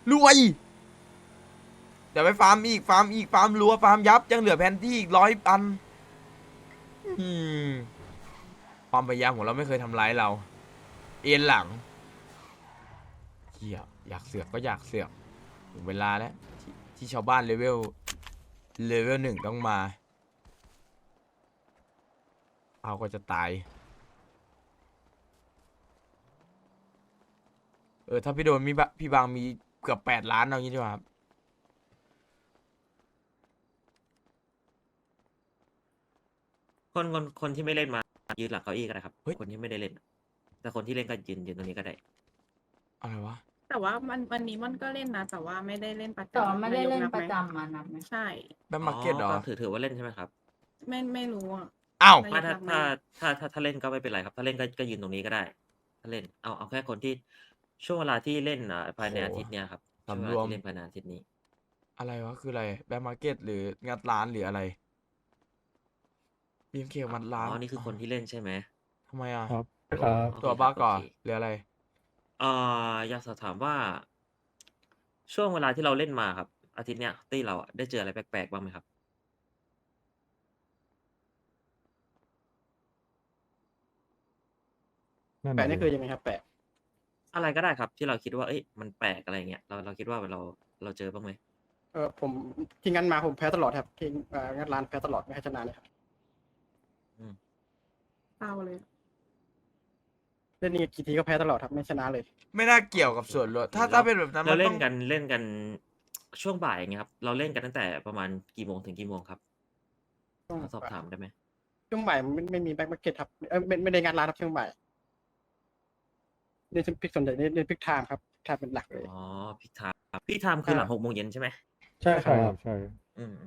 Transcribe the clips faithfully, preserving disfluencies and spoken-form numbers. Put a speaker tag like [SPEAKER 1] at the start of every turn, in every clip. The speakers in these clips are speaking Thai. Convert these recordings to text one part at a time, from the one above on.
[SPEAKER 1] รวยเดี๋ยวไปฟาร์มอีกฟาร์มอีกฟาร์มรัวฟาร์มยับยังเหลือแผนที่อีกร้อยอันอืมความพยายามของเราไม่เคยทำร้ายเราเอ็นหลังเฮียอยากเสือกก็อยากเสือกถึงเวลาแล้วที่ที่ชาวบ้านเลเวลเลเวลหนึ่งต้องมาเอาก็จะตายเออถ้าพี่โดนมีบะพี่บางมีเกือบแปดล้านเอางี้ดีกว่าครับ
[SPEAKER 2] คนคนคนที่ไม่เล่นมายืนหลังเก้าอี้ก็ได้ครับ
[SPEAKER 1] เฮ้ย
[SPEAKER 2] คนที่ไม่ได้เล่น แต่คนที่เล่นก็ยืนยืนตรงนี้ก็ได้
[SPEAKER 1] อะไรวะ
[SPEAKER 3] แต่ว่ามันวันนี้มันก็เล่นนะ แต่ว่าไม่ได้เล่นประจำ
[SPEAKER 4] แต่ว่าไม่ได้เล่น
[SPEAKER 3] ายกบ
[SPEAKER 4] ประ
[SPEAKER 3] ไหม
[SPEAKER 4] จำมานับไหม
[SPEAKER 3] ใช่
[SPEAKER 1] แบมมาร์เก็ตเหรอ
[SPEAKER 2] ถือถือว่าเล่นใช่ไหมครับ
[SPEAKER 3] ไม่ไม่รู้อ่ะ
[SPEAKER 1] อ้าว
[SPEAKER 3] ไม่
[SPEAKER 2] ถ้า
[SPEAKER 3] นับไหม
[SPEAKER 2] ถ้าถ้าถ้าถ้าเล่นก็ไม่เป็นไรครับ ถ้าเล่นก็ก็ยืนตรงนี้ก็ได้ ถ้าเล่นเอาเอาแค่คนที่ช่วงเวลาที่เล่นอ่ะภายในอาทิตย์เนี้ยครับช่วงเว
[SPEAKER 1] สำร
[SPEAKER 2] ลาว
[SPEAKER 1] ม
[SPEAKER 2] ที่เล่นภายในอาทิตย์นี้
[SPEAKER 1] อะไรวะ คืออะไรแบมมาร์เก็ตหรืองัดร้านหรืออะไรบีเอ็มเคงัด
[SPEAKER 2] อ๋
[SPEAKER 1] ร้าน
[SPEAKER 2] อนี่คือคนที่เล่นใช่ไหม
[SPEAKER 1] ทำไมอ่ะ
[SPEAKER 5] ครับ
[SPEAKER 2] ครับ
[SPEAKER 1] ตัว
[SPEAKER 2] โอเค
[SPEAKER 1] บ้า
[SPEAKER 2] ครับ
[SPEAKER 1] ก่อน
[SPEAKER 2] โอเค
[SPEAKER 1] หรืออะไร
[SPEAKER 2] เอ่ออยากสอบถามว่า ช่วงเวลาที่เราเล่นมาครับ อาทิตย์เนี้ยตี้เราอะได้เจออะไรแปลกๆบ้างไหมครับ
[SPEAKER 5] นั่น
[SPEAKER 6] แปะ
[SPEAKER 5] น่ะ
[SPEAKER 6] นี่
[SPEAKER 5] ดิ
[SPEAKER 6] คือยังไงครับแปะ
[SPEAKER 2] อะไรก็ได้ครับ ที่เราคิดว่า เอ้ยมันแปลกอะไรเงี้ยเราเราคิดว่าเราเราเจอบ้างไหม
[SPEAKER 6] เออผมที่งั้นมาผมแพ้ตลอดครับที่เอ่องั้นร้านแพ้ตลอดไม่ให้ชนะเลยครับ
[SPEAKER 2] อืม
[SPEAKER 3] เศร้าเลย
[SPEAKER 6] เล่นนี่กี่ทีก็แพ้ตลอดครับไม่ชนะเลย
[SPEAKER 1] ไม่น่าเกี่ยวกับส่วนลดถ้าถ้าเป็นแบบนั้น
[SPEAKER 2] เรา
[SPEAKER 1] มัน
[SPEAKER 2] เล่
[SPEAKER 1] ต้อน ง
[SPEAKER 2] กันเล่นกันช่วงบ่ายอย่างเงี้ยครับ เราเล่นกันตั้งแต่ประมาณกี่โมงถึงกี่โมงครับ
[SPEAKER 6] ช่วง
[SPEAKER 2] ขอสอบถามได้ไหม
[SPEAKER 6] ช่วงบ่ายมันไม่ไม่มีแบ็คมาร์เก็ตครับเออไม่ไม่ได้งานร้านครับช่วงบ่ายเล่นพิกส่วนใหญ่เล่นเล่นพิกไทม์ครับไทม์เป็นหลักเลย
[SPEAKER 2] อ๋อพี่ไทม์พี่ไทม์คือหลังหกโมงเย็นใช่ไหม
[SPEAKER 6] ใช่ค
[SPEAKER 5] ใช่
[SPEAKER 6] รั
[SPEAKER 5] ครับ บใช่
[SPEAKER 2] อืม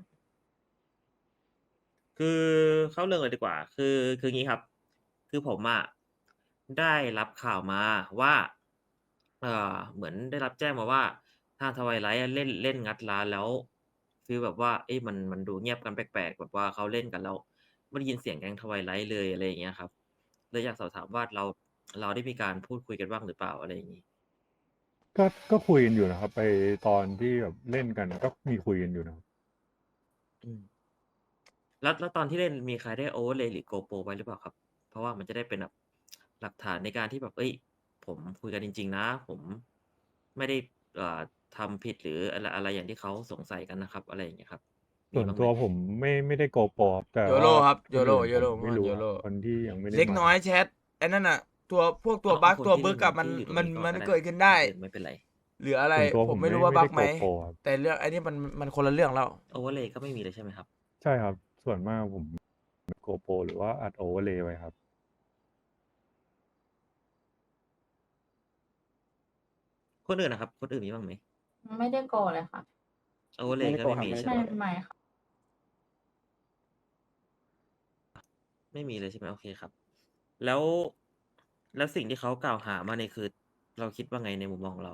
[SPEAKER 2] คือเข้าเรื่องเลยดีกว่า คือคืองี้ครับ คือผมอะได้รับข่าวมาว่า เอ่อเหมือนได้รับแจ้งมาว่าทางทวายไลท์เล่นเล่นงัดร้านแล้วฟีลแบบว่า เอ๊ะมันมันดูเงียบกันแปลกๆแบบว่าเขาเล่นกันแล้วไม่ได้ยินเสียงแก๊งทวายไลท์เลยอะไรอย่างเงี้ยครับเลยอยากสอบถามว่าเราเราได้มีการพูดคุยกันบ้างหรือเปล่าอะไรอย่างงี้
[SPEAKER 5] ก็ก็คุยกันอยู่นะครับ ไปตอนที่แบบเล่นกันก็มีคุยกันอยู่นะครับ
[SPEAKER 2] อืม แล้วแล้วตอนที่เล่นมีใครได้โอเวอร์เลย์หรือ GoPro ไว้หรือเปล่าครับ เพราะว่ามันจะได้เป็นแบบหลักฐานในการที่แบบ เอ้ย ผมคุยกันจริง ๆ นะ ผมไม่ได้เอ่อทำผิดหรืออะไรอะไรอย่างที่เขาสงสัยกันนะครับ อะไรอย่างเงี้ยครับ มี
[SPEAKER 5] ส่วน
[SPEAKER 2] บ้างไห
[SPEAKER 5] ตั
[SPEAKER 2] ม
[SPEAKER 5] วผมไม่ไม่ได้โกโปรแต่
[SPEAKER 1] โย
[SPEAKER 5] ว่า
[SPEAKER 1] โร่ครับ
[SPEAKER 5] ค
[SPEAKER 1] โย
[SPEAKER 5] น
[SPEAKER 1] โร่
[SPEAKER 5] อื่น
[SPEAKER 1] โยโร่
[SPEAKER 5] ผมไม่
[SPEAKER 1] เมื่อ
[SPEAKER 5] รู้
[SPEAKER 1] โย
[SPEAKER 5] ค
[SPEAKER 1] โร่
[SPEAKER 5] รับคนที่ยังไม่ได้
[SPEAKER 1] เล็ก
[SPEAKER 5] มา
[SPEAKER 1] น้อยแชทไอ้นั่นน่ะ ตัวพวกตัว
[SPEAKER 2] เอา
[SPEAKER 1] บั๊ก
[SPEAKER 2] เอาคน
[SPEAKER 1] ตัว
[SPEAKER 2] ที่
[SPEAKER 1] บึก
[SPEAKER 2] เล่น
[SPEAKER 1] กับมัน
[SPEAKER 2] ที่อยู่ตรง
[SPEAKER 1] มัน
[SPEAKER 2] นี้ก่อน
[SPEAKER 1] มัน
[SPEAKER 2] ก็ได้
[SPEAKER 1] เกิดขึ้นได้
[SPEAKER 2] คนอื่นไม่เป็นไร
[SPEAKER 1] หรืออะไร
[SPEAKER 5] ส่วนตัว
[SPEAKER 1] ผ
[SPEAKER 5] ผม ม
[SPEAKER 1] ไม่
[SPEAKER 5] ไม่
[SPEAKER 1] รู้ว่า
[SPEAKER 5] ไม่
[SPEAKER 1] บั๊
[SPEAKER 5] ได้
[SPEAKER 1] กไหม
[SPEAKER 5] โกโปรครับ
[SPEAKER 1] แต่เรื่องไอ้นี่มันมันคนละเรื่องแล้ว
[SPEAKER 2] โอเวอร์เลย์ก็ไม่มีเลยใช่ไหมครับ
[SPEAKER 5] ใช่ครับ ส่วนมากผมโกโปรหรือว่าอัดโอเวอร์เลย์ไว้ครับ
[SPEAKER 2] คนอื่นนะครับ คนอื่นมีบ้างไหม
[SPEAKER 4] ไม่ได้โกเลยค่ะ
[SPEAKER 2] โอเวอร์เลย์
[SPEAKER 6] ไม่
[SPEAKER 2] ก็
[SPEAKER 6] ได้โก
[SPEAKER 2] ไม่มี
[SPEAKER 6] ครับ
[SPEAKER 2] ใช่
[SPEAKER 4] ไม่
[SPEAKER 2] ไหม
[SPEAKER 4] ไม่ค่ะ
[SPEAKER 2] ไม่มีเลยใช่ไหมโอเคครับ แล้วแล้วสิ่งที่เขากล่าวหามาเนี่ยคือ เราคิดว่าไงในมุมมองของเรา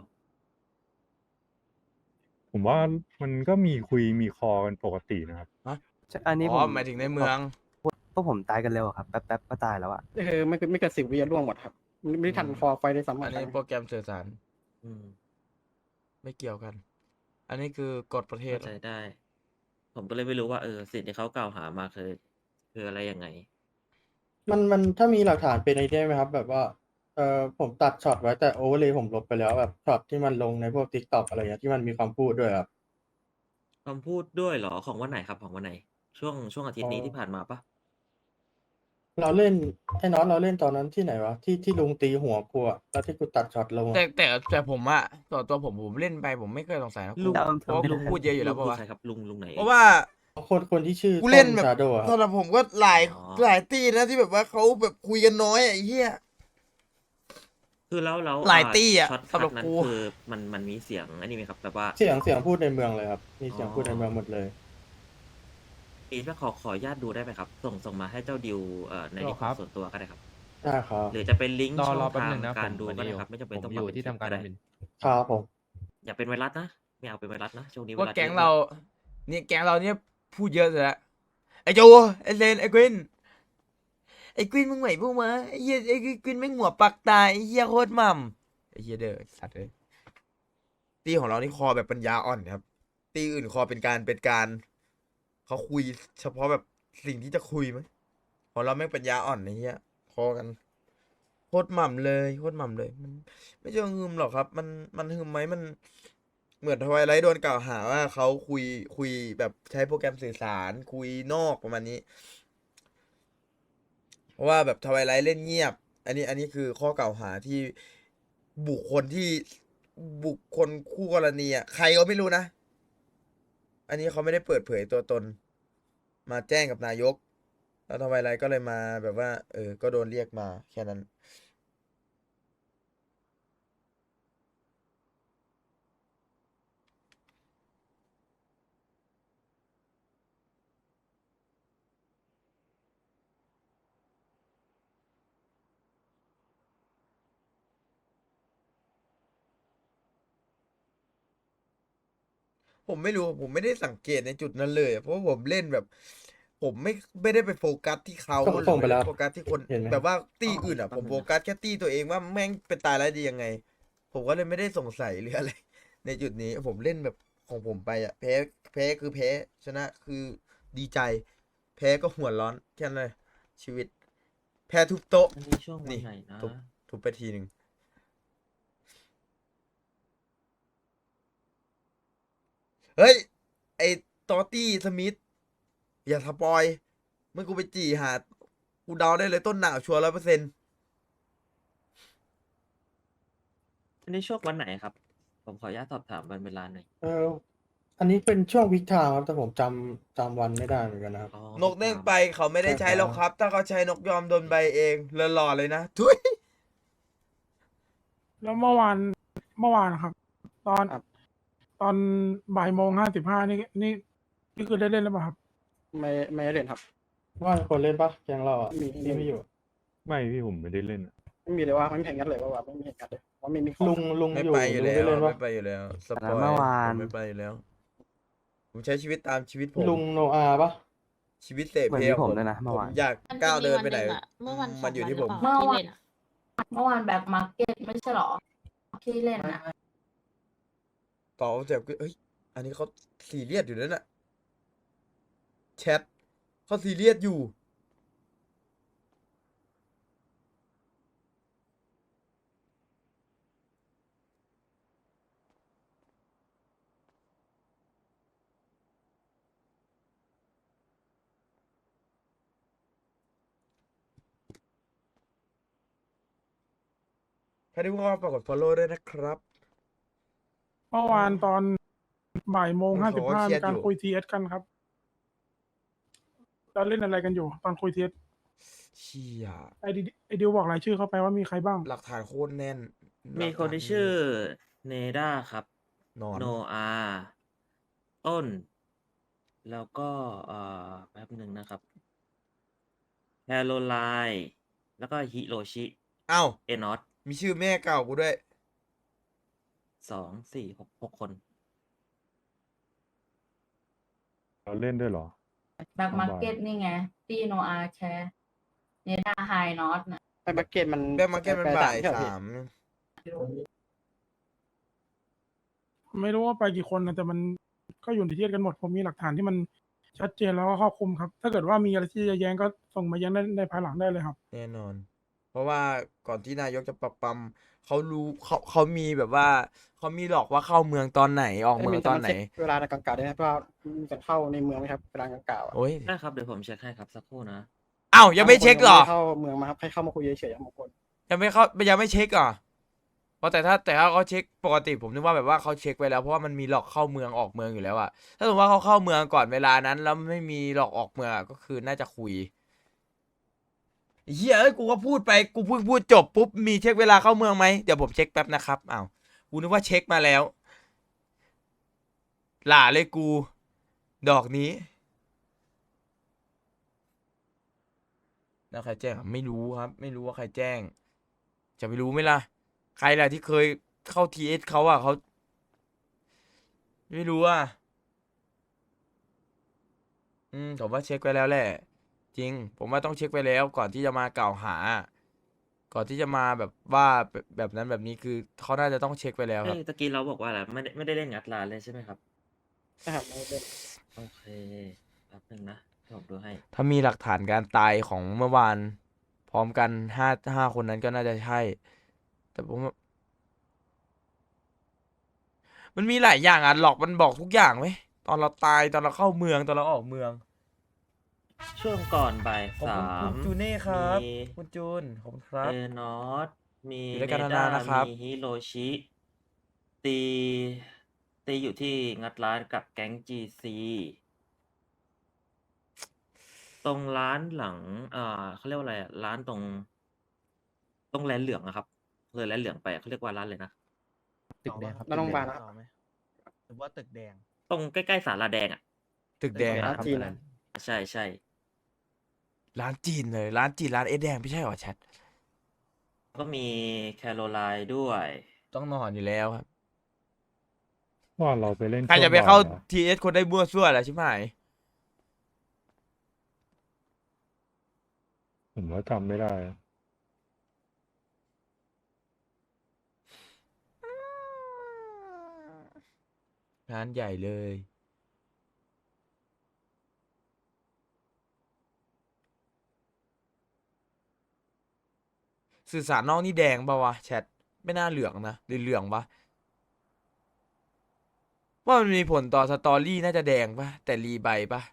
[SPEAKER 5] ผมว่ามันก็มีคุยมีคอกันปกตินะครับ
[SPEAKER 7] ใช่อันนี้
[SPEAKER 1] อ๋
[SPEAKER 7] ผ
[SPEAKER 1] อ
[SPEAKER 7] ม
[SPEAKER 1] หมายถึงในเมือง
[SPEAKER 7] พวกผมตายกันเร็วอะครับ แป๊บๆก็ตายแล้วอะ
[SPEAKER 6] ก็คือไม่ไม่เกินสิบวิร่วงหมดครับไม่ไม่ทัน
[SPEAKER 1] อืม
[SPEAKER 6] ฟอร์ไฟได้ซ้ำ
[SPEAKER 1] อันนี้โปรแกรมสื่อสาร
[SPEAKER 2] อืม
[SPEAKER 1] ไม่เกี่ยวกัน อันนี้คือกฎประเทศ
[SPEAKER 2] เข้าใจได้ ผมก็เลยไม่รู้ว่า เออ สิ่งที่เขากล่าวหามาคือ คืออะไรยังไง
[SPEAKER 8] มันมันถ้ามีหลักฐานเป็นไอเดียไหมครับ แบบว่าเออผมตัดช็อตไว้แต่โอเวอร์เลยผมลบไปแล้วแบบช็อตที่มันลงในพวก ทิกต็อก อะไรเงี้ยที่มันมีคำพูดด้วยครับ
[SPEAKER 2] คำพูดด้วยเหรอ ของวันไหนครับ ของวันไหน ช่วงช่วงอาทิตย์นี้
[SPEAKER 8] อ๋อ
[SPEAKER 2] ที่ผ่านมาปะ
[SPEAKER 8] เราเล่นไอ้น็อตเราเล่นตอนนั้นที่ไหนวะที่ที่ลุงตีหัวกูอะแล้วที่กูตัดช็อตลงอะ
[SPEAKER 1] แต่แต่แต่ผมอะต่อตัวผมผมเล่นไปผมไม่เคยสงสัยนะ
[SPEAKER 2] ลุง
[SPEAKER 1] เพราะว่าลุงพูดเยอะอยู่แล้ว
[SPEAKER 2] ลุง
[SPEAKER 1] ปะ
[SPEAKER 2] คือ
[SPEAKER 1] วะ
[SPEAKER 2] ใครครับ ลุงลุงไหน
[SPEAKER 1] เพราะว่า
[SPEAKER 8] คนคนที่ชื่อ
[SPEAKER 1] กูเล่นแบบ
[SPEAKER 8] ชาโดว์ครับ
[SPEAKER 1] สำหรับผมก็หลาย
[SPEAKER 2] อ๋อ
[SPEAKER 1] หลายตีนะที่แบบว่าเขาแบบคุยกันน้อยอะไอ้เหี้ย
[SPEAKER 2] คือแล้วแล้ว
[SPEAKER 1] หลายตี้อะ
[SPEAKER 2] ช็อต
[SPEAKER 1] สำหรับ
[SPEAKER 2] นั้น
[SPEAKER 1] กู
[SPEAKER 2] คือมันมันมีเสียงอันนี้ไหมครับ แบบว่า
[SPEAKER 8] เสียงเสียงพูดในเมืองเลยครับมีเสียง
[SPEAKER 2] อ๋อ
[SPEAKER 8] พูดในเมืองหมดเลย
[SPEAKER 2] อีกขอขออนุญาตดูได้ไหมครับ ส่งส่งมาให้เจ้าดิวเอ่อใน
[SPEAKER 9] หร
[SPEAKER 2] ดิ
[SPEAKER 9] อ
[SPEAKER 2] ค
[SPEAKER 9] ครั
[SPEAKER 2] อร์
[SPEAKER 9] บ
[SPEAKER 2] ส่วนตัวก็ได้ครับ
[SPEAKER 8] ได้ครับ
[SPEAKER 2] หรือจะเป็นลิงก์
[SPEAKER 9] รอ
[SPEAKER 2] ช่อง
[SPEAKER 9] รอแป๊บ
[SPEAKER 2] ทาง
[SPEAKER 9] หนึ่งนะ
[SPEAKER 2] การ
[SPEAKER 9] ผม
[SPEAKER 2] ดู
[SPEAKER 9] วัน
[SPEAKER 2] ก็
[SPEAKER 9] นี้
[SPEAKER 2] ได้ครับ ไม่จำเป็น
[SPEAKER 9] ผม
[SPEAKER 2] ต้อง
[SPEAKER 9] อยู่
[SPEAKER 2] มาเป็น
[SPEAKER 9] ที่
[SPEAKER 2] คลิป
[SPEAKER 9] ทำการ
[SPEAKER 2] ก็ได้
[SPEAKER 9] แอดมิน
[SPEAKER 8] ครับผม
[SPEAKER 2] อย่าเป็นไวรัสนะ ไม่เอาเป็นไวรัสนะ ช่วงนี้ไว
[SPEAKER 1] ว่า
[SPEAKER 2] รัส
[SPEAKER 1] แก๊ง
[SPEAKER 2] เยอะ
[SPEAKER 1] เรา เนี่ยแก๊งเราเนี่ยพูดเยอะเลยละไอ้โจไอ้เลนไอ้กวินไอ้กวินมึงไหวพวกมาไอ้เหี้ยไอ้กวินไม่งหัวปักตายไอ้เหี้ยโคตรหม่ำไอ้เหี้ยเด้อสัตว์เลยตีตีของเรานี่คอแบบปัญญาอ่อนครับ ตีอื่นคอเป็นการเป็นการเขาคุยเฉพาะแบบสิ่งที่จะคุยมั้ยของเราแม่งปัญญาอ่อนไอ้เหี้ยคอกันโคตรหม่ำเลยโคตรหม่ำเลยมันไม่ใช่ว่าฮึมหรอกครับ มันมันฮึมไหมมันเหมือนทวายไลท์โดนกล่าวหาว่าเขาคุยคุยแบบใช้โปรแกรมสื่อสารคุยนอกประมาณนี้ เพราะว่าแบบทวายไลท์เล่นเงียบ อันนี้อันนี้คือข้อกล่าวหาที่บุคคลที่บุคคลคู่กรณีอ่ะใครก็ไม่รู้นะ อันนี้เขาไม่ได้เปิดเผยตัวตน มาแจ้งกับนายก แล้วทวายไลท์ก็เลยมาแบบว่า เออ ก็โดนเรียกมาแค่นั้น ผมไม่รู้ ผมไม่ได้สังเกตในจุดนั้นเลยอะเพราะว่าผมเล่นแบบ ผมไม่ไม่ได้ไปโฟกัสที่เขา
[SPEAKER 8] ส่ง
[SPEAKER 1] หรื
[SPEAKER 8] ส่งไป
[SPEAKER 1] อ
[SPEAKER 8] แล้ว
[SPEAKER 1] โฟกัสที่คน
[SPEAKER 8] เห็นไหม
[SPEAKER 1] แบบว่าตี้
[SPEAKER 2] อ๋อ
[SPEAKER 1] อื่นอ่ะ
[SPEAKER 2] แป๊
[SPEAKER 1] ผ
[SPEAKER 2] บ
[SPEAKER 1] ม
[SPEAKER 2] นึ
[SPEAKER 1] โฟ
[SPEAKER 2] งนะ
[SPEAKER 1] กัสแค่ตี้ตัวเองว่าแม่งเป็นตายร้ายดียังไง ผมก็เลยไม่ได้สงสัยหรืออะไร ในจุดนี้ ผมเล่นแบบของผมไปอ่ะ แพ้แพ้คือแพ้ ชนะคือดีใจ แพ้ก็หัวร้อนแค่นั้นเลย ชีวิต แพ้ทุบโต๊ะ
[SPEAKER 2] อันนี้ช่วงวัน
[SPEAKER 1] นี่
[SPEAKER 2] ไหนนะ
[SPEAKER 1] ทุบทุบไปทีหนึ่งเฮ้ย ไอ้ตอตตี้สมิธอย่าสปอยเมื่อกูไปจี่หากูเดาได้เลยต้นหนาวชัวร์ร้อยเปอร์เซ็นต์
[SPEAKER 2] อันนี้ช่วงวันไหนครับ ผมขออนุญาตสอบถามวันเวลาหน่อย
[SPEAKER 8] เอออันนี้เป็นช่วงวิกทางครับแต่ผมจำจำวันไม่ได้เหมือนกันนะครับ
[SPEAKER 2] อ๋อ
[SPEAKER 1] นกเด้งไปเขาไม่ได้
[SPEAKER 8] ใช่
[SPEAKER 1] ใช้
[SPEAKER 8] ครับ
[SPEAKER 1] หรอกครับ ถ้าเขาใช้นกยอมโดนใบเองเลอะหล่อเลยนะทุย
[SPEAKER 9] แล้วเมื่อวานเมื่อวานครับ ตอน
[SPEAKER 6] ครับ
[SPEAKER 9] ตอนบ่ายโมงห้าสิบห้านี่นี่นี่คือได้เล่นแล้วเปล่าครับ
[SPEAKER 6] ไม่ไม่ได้เล่นครับ
[SPEAKER 8] ว่าคนเล่นปะแกงเราอ่ะ
[SPEAKER 6] มี
[SPEAKER 8] ที่ไม่อยู่
[SPEAKER 5] ไม่พี่ผมไม่ได้เล่นอะ
[SPEAKER 6] ไม่มีเลยว่าไม่มีเห็นกันเลยว่าว่าไม่มีเห็นกันเลยว่าไม่มีของ
[SPEAKER 8] ลุงลุง
[SPEAKER 1] ไม่
[SPEAKER 8] อยู่
[SPEAKER 1] ไปอยู่
[SPEAKER 8] ลุง
[SPEAKER 1] แล้
[SPEAKER 8] ได้
[SPEAKER 1] ว
[SPEAKER 8] เล่นปะ
[SPEAKER 1] ไม่ไปอยู่แล้วสปอย
[SPEAKER 7] เมื่อวาน
[SPEAKER 1] ผมไม่ไปอยู่แล้ว ผมใช้ชีวิตตามชีวิตผม
[SPEAKER 8] ลุงโนอาปะ
[SPEAKER 1] ชีวิตเสพ
[SPEAKER 7] เหมือน
[SPEAKER 1] เพ
[SPEAKER 7] มี
[SPEAKER 1] ล
[SPEAKER 7] ผม
[SPEAKER 1] ผม
[SPEAKER 7] ด้วยนะเมื่อวาน
[SPEAKER 1] ผมอยาก
[SPEAKER 3] มันจะ
[SPEAKER 1] ก้าว
[SPEAKER 3] มี
[SPEAKER 1] เดิน
[SPEAKER 3] วัน
[SPEAKER 1] ไปไหน
[SPEAKER 3] หนึ่งอะเมื่อวัน
[SPEAKER 1] มันอยู่ที่ผม
[SPEAKER 3] สองวันหรือเปล่า ที่เล่นอะ
[SPEAKER 4] เมื่อวานแบบมาร์เก็ตไม่ใช่หรอ ที่เล่นนะ
[SPEAKER 1] ต่อเจ็บก็เอ้ย อันนี้เขาซีเรียสอยู่นั่นน่ะแชทเขาซีเรียสอยู่ ใครที่เพิ่งเข้ามาฝากกด follow ด้วยนะครับ
[SPEAKER 9] เมื่อวานตอนบ่ายโมง
[SPEAKER 1] เออ
[SPEAKER 9] ห้า
[SPEAKER 1] เขา
[SPEAKER 9] สิบ
[SPEAKER 1] ก็
[SPEAKER 9] ห้า
[SPEAKER 1] เครี
[SPEAKER 9] มี
[SPEAKER 1] ยด
[SPEAKER 9] กา
[SPEAKER 1] อ
[SPEAKER 9] ร
[SPEAKER 1] ยู่
[SPEAKER 9] คุยทีเอสกันครับเราเล่นอะไรกันอยู่ ตอนคุยทีเอส
[SPEAKER 1] เชี่ย
[SPEAKER 9] ไอดิไอดิวบอกรายชื่อเข้าไปว่ามีใครบ้าง
[SPEAKER 1] หลักฐานโคตรแน่น
[SPEAKER 2] มีคนที่ชื่อเนด้าครับ
[SPEAKER 1] นอน
[SPEAKER 2] โนอาต้น แล้วก็เอ่อแป๊บหนึ่งนะครับแคโรไลน์แล้วก็ฮิโรชิ
[SPEAKER 1] เอ้า
[SPEAKER 2] เอนอต
[SPEAKER 1] มีชื่อแม่เก่ากูด้วย
[SPEAKER 2] สองสี่หกหกคน
[SPEAKER 5] เราเล่นด้วยเหรอ
[SPEAKER 4] แบ็คมาร์เก็ตนี่ไงตีโนอาแคร์เนด้าไฮนอตนะ
[SPEAKER 6] ไปมาร์เก็ตมัน
[SPEAKER 1] แบ็คมาร์เก็ตมันบ่าย
[SPEAKER 6] ใช่เหรอพี่
[SPEAKER 1] สาม
[SPEAKER 9] ไม่รู้ว่าไปกี่คนนะแต่มันก็อยู่ในทีเอสกันหมด ผมมีหลักฐานที่มันชัดเจนแล้วก็ครอบคลุมครับ ถ้าเกิดว่ามีอะไรที่จะแย้งก็ส่งมาแย้งได้ในภายหลังได้เลยครับ
[SPEAKER 1] แน่นอน เพราะว่าก่อนที่นายกจะปรับปรำเขารู้เขาเขามีแบบว่าเขามีหลอกว่าเข้าเมืองตอนไหนออกเมืองตอนไหน
[SPEAKER 6] เช็คเวลาในกลางกาได้ไหมเพราะว่ามีการเข้าในเมืองไหมครับเวลากลางกาอ่ะ
[SPEAKER 1] โอ้ย
[SPEAKER 2] ได้ครับเดี๋ยวผมเช็คให้ครับสักครู่นะ
[SPEAKER 1] อ้าวยังไม่เช็คเหรอ
[SPEAKER 6] เข้าเมืองมาครับให้เข้ามาคุยเฉยๆบางคน
[SPEAKER 1] ยังไม่เข้ายังไม่เช็คเหรอเพราะแต่ถ้าแต่ถ้าเขาเช็คปกติผมนึกว่าแบบว่าเขาเช็คไว้แล้วเพราะว่ามันมีหลอกเข้าเมืองออกเมืองอยู่แล้วอะถ้าสมมติว่าเขาเข้าเมืองก่อนเวลานั้น แล้วไม่มีหลอกออกเมืองอะก็คือน่าจะคุยเฮียเอ้ยกูก็พูดไปกูเพิ่งพูดจบปุ๊บมีเช็คเวลาเข้าเมืองไหมเดี๋ยวผมเช็คแป๊บนะครับอ้าวกูนึกว่าเช็คมาแล้วหล่าเลยกู ดอกนี้แล้วใครแจ้งอ่ะไม่รู้ครับ ไม่รู้ว่าใครแจ้ง จะไปรู้ไหมล่ะ ใครล่ะที่เคยเข้าทีเอสเขาอ่ะเขาไม่รู้อ่ะอืมผมว่าเช็คไว้แล้วแหละ จริง ผมว่าต้องเช็คไว้แล้วก่อนที่จะมากล่าวหาก่อนที่จะมาแบบว่าแบบแบบนั้นแบบนี้คือเขาน่าจะต้องเช็คไปแล้วค
[SPEAKER 2] เอ้
[SPEAKER 1] รับ
[SPEAKER 2] ยตะกี้เราบอกว่าอะไรไม่ได้ไม่ได้เล่นงัดร้านเลยใช่ไหมครับ
[SPEAKER 6] นะครับไม่เป็น
[SPEAKER 2] โอเคแป๊บนึงนะเดี๋ยวผมดูให้
[SPEAKER 1] ถ้ามีหลักฐานการตายของเมื่อวาน พร้อมกันห้าห้าคนนั้นก็น่าจะใช่ แต่ผมว่ามันมีหลายอย่างอ่ะหลอกมันบอกทุกอย่างไหมตอนเราตายตอนเราเข้าเมืองตอนเราออกเมือง
[SPEAKER 2] ช่วงก่อนบ่าย
[SPEAKER 1] ขอบ
[SPEAKER 2] สา
[SPEAKER 1] คุณคุ
[SPEAKER 2] ม
[SPEAKER 1] ณจูเน่ครับ
[SPEAKER 2] มี
[SPEAKER 1] คุณจูนขอบคุณครับ
[SPEAKER 2] เอนอสมี
[SPEAKER 1] อยู่ด้วย
[SPEAKER 2] เน
[SPEAKER 1] กัน
[SPEAKER 2] ด้าน
[SPEAKER 1] านๆนะครับ
[SPEAKER 2] มีฮิโรชิ ตีตีอยู่ที่งัดร้านกับแก๊งจีซีตรงร้านหลังเอ่อเขาเรียกว่าอะไรอะร้านตรง ตรงแลนเหลืองอะครับเลยแลนเหลืองไปอะเขาเรียกว่าร้านเลยนะ
[SPEAKER 10] ตึกแดงครับ
[SPEAKER 6] แล้วโรงพยาบาลนะ
[SPEAKER 10] ต่อไหมหรือว่าตึกแดง
[SPEAKER 2] ตรงใกล้ๆศาลาแดงอะ
[SPEAKER 1] ตึกแดง
[SPEAKER 6] ร้านจีนนะ
[SPEAKER 2] ใช่ใช่
[SPEAKER 1] ร้านจีนเลย ร้านจีนร้านเอสแดงไม่ใช่เหรอแชท
[SPEAKER 2] ก็มีแคโรไลน์ด้วย
[SPEAKER 1] ต้องนอนอยู่แล้วครับ
[SPEAKER 5] ว่าเราไปเล่น
[SPEAKER 1] ใคร
[SPEAKER 5] ช่ว
[SPEAKER 1] จะ
[SPEAKER 5] ง
[SPEAKER 1] ไป
[SPEAKER 5] บ่ย
[SPEAKER 1] เข้า
[SPEAKER 5] หรอ
[SPEAKER 1] ทีเอสคนได้บัวซั่วแหละใช่ไหม
[SPEAKER 5] ผมว่าจำไม่ได้
[SPEAKER 1] งานใหญ่เลย สื่อสารนอกนี่แดงปะวะแชทไม่น่าเหลืองนะหรือเหลืองปะว่ามันมีผลต่อสตอรี่น่าจะแดงปะแต่รีใบปะ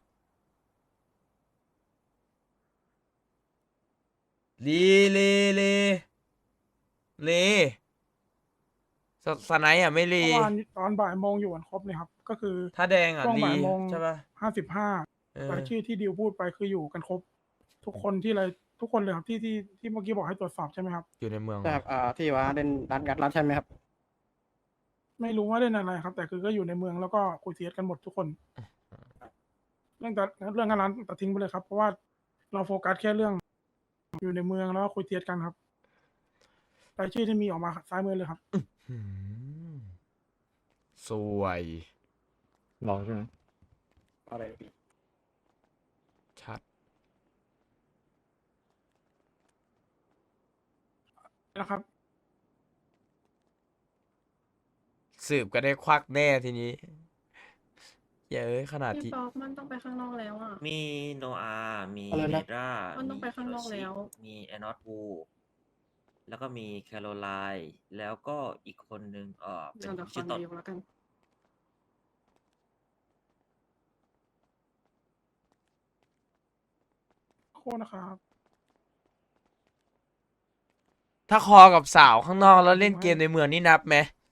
[SPEAKER 1] รีรีรีรีสสไนด์อ่ะไม่รี
[SPEAKER 9] เมื่อวานตอนบ่ายโมงอยู่กันครบเลยครับ ก็คือ
[SPEAKER 1] ถ้าแดงอ่ะ
[SPEAKER 9] ช่วง
[SPEAKER 1] รี
[SPEAKER 9] บ่ายโมง
[SPEAKER 1] ใช่ปะ
[SPEAKER 9] ห้าสิบห้า
[SPEAKER 1] เออ
[SPEAKER 9] รายชื่อที่ดิวพูดไปคืออยู่กันครบ ทุกคนที่อะไรทุกคนเลยครับที่ที่ที่เมื่อกี้บอกให้ตรวจสอบใช่ไหมครับ
[SPEAKER 1] อยู่ในเมือง
[SPEAKER 6] ใช่ครับอ่าที่ว่าเล่นร้านงัดร้านใช่ไหมครับ
[SPEAKER 9] ไม่รู้ว่าเล่นอะไรครับ แต่คือก็อยู่ในเมืองแล้วก็คุยเทียสกันหมดทุกคน เรื่องแต่เรื่องงานร้านตัดทิ้งไปเลยครับ เพราะว่าเราโฟกัสแค่เรื่อง อยู่ในเมืองแล้วก็คุยเทียสกันครับรายชื่อที่มีออกมาซ้ายมือเลยครับ
[SPEAKER 1] หืมสวย
[SPEAKER 5] รอใช่ไหม
[SPEAKER 6] อะไรพี่
[SPEAKER 1] ชัด
[SPEAKER 9] นะครับ
[SPEAKER 1] สืบก็ได้ควักแน่ทีนี้เย้ยขนาด
[SPEAKER 3] พี่
[SPEAKER 1] ที่
[SPEAKER 3] ป๊อกมันต้องไปข้างนอกแล้วอ่ะ
[SPEAKER 2] มีโนอามี
[SPEAKER 8] อะไร
[SPEAKER 2] เน
[SPEAKER 8] นะ
[SPEAKER 2] ด้า
[SPEAKER 3] มันต้องไปข้างนอกแล้ว
[SPEAKER 2] มีแอนอสวูแล้วก็มีแคโรไลน์แล้วก็อีกคนนึงเออเป็
[SPEAKER 3] เดี๋ย
[SPEAKER 2] น
[SPEAKER 3] วเดี๋ยวขอ
[SPEAKER 2] ชื่อตด
[SPEAKER 3] นายกแล้วกัน
[SPEAKER 9] โคตรนะครับ
[SPEAKER 1] ถ้าคอกับสาวข้างนอกแล้วเล่นเกมในเมืองนี่นับไหม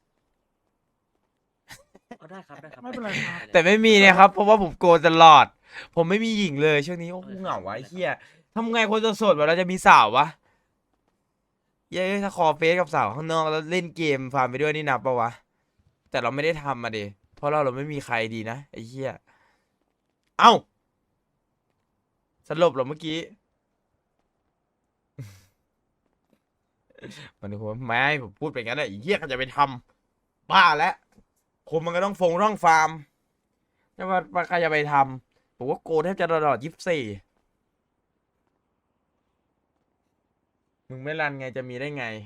[SPEAKER 2] เอาได้ครับได้ครับ
[SPEAKER 9] ไม่เป็นไรครับ
[SPEAKER 1] แต่ไม่มีเนี่ยครับ เพราะว่าผมโกนตลอด ผมไม่มีหญิงเลยช่วงนี้โอ้โหเหงาวะไอ้เหี้ยทำไงคนจะโสดแบบเราจะมีสาววะเย้ยถ้าคอเฟซกับสาวข้างนอกแล้วเล่นเกมฟาร์มไปด้วยนี่นับปะวะ แต่เราไม่ได้ทำมาดิเพราะเราเราไม่มีใครดีนะไอ้เหี้ยเอ้าสรุปเหรอเมื่อกี้ มันหัวไม่ผมพูดไปงั้นแหละไอ้เหี้ยก็จะไปทำบ้าแล้วคนมันก็ต้องฟงร่องฟาร์มจะมาว่าใครจะไปทำผมว่าโกนแทบจะตลอดยี่สิบสี่มึงไม่รันไงจะมีได้ไง